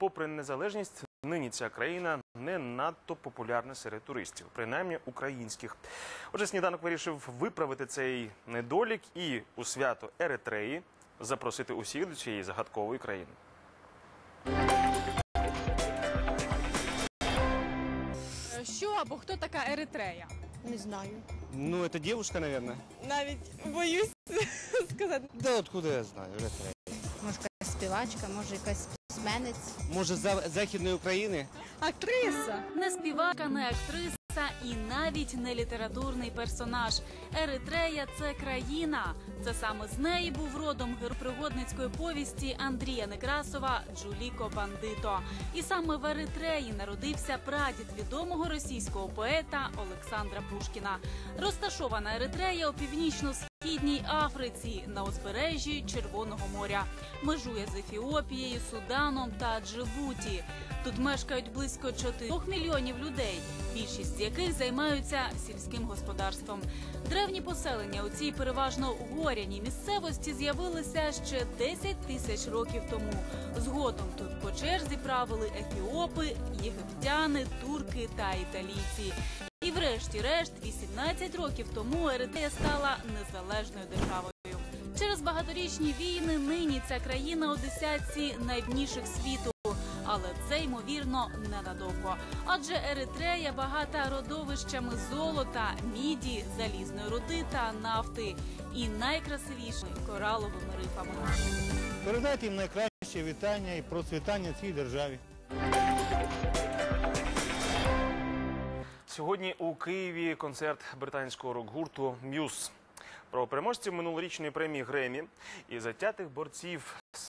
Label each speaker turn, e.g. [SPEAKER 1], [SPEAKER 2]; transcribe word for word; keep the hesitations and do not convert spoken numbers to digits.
[SPEAKER 1] попри незалежність, нині ця країна не надто популярна серед туристів, принаймні українських. Отже, сніданок вирішив виправити цей недолік і у свято Еритреї запросити усіх до цієї загадкової країни.
[SPEAKER 2] Що або хто така Еритрея?
[SPEAKER 3] Не знаю.
[SPEAKER 4] Ну, это девушка, наверное.
[SPEAKER 2] Навіть боюсь сказати.
[SPEAKER 4] Да откуда я знаю, Еритрея.
[SPEAKER 3] Може, якась співачка, може, якась письменець.
[SPEAKER 4] Може, з Західної України?
[SPEAKER 2] Актриса.
[SPEAKER 5] Не співачка, не актриса і навіть не літературний персонаж. Еритрея – це країна. Це саме з неї був родом герой пригодницької повісті Андрія Некрасова «Джуліко Бандито». І саме в Еритреї народився прадід відомого російського поета Олександра Пушкіна. Розташована Еритрея у північно-східній Африці на узбережжі Червоного моря. Межує з Ефіопією, Суданом та Джибуті. Тут мешкають близько чотирьох мільйонів людей, більшість з яких займаються сільським господарством. Древні поселення у цій переважно горяній місцевості з'явилися ще десять тисяч років тому. Згодом тут по черзі правили ефіопи, єгиптяни, турки та італійці. І врешті-решт, вісімнадцять років тому Еритрея стала незалежною державою. Через багаторічні війни нині ця країна у десятці найбідніших світу. Але це, ймовірно, ненадовго. Адже Еритрея багата родовищами золота, міді, залізної руди та нафти. І найкрасивішими кораловими рифами.
[SPEAKER 6] Передайте їм найкраще вітання і процвітання цій державі.
[SPEAKER 1] Сьогодні у Києві концерт британського рок-гурту «М'юз». Про переможців минулорічної премії «Гремі» і затятих борців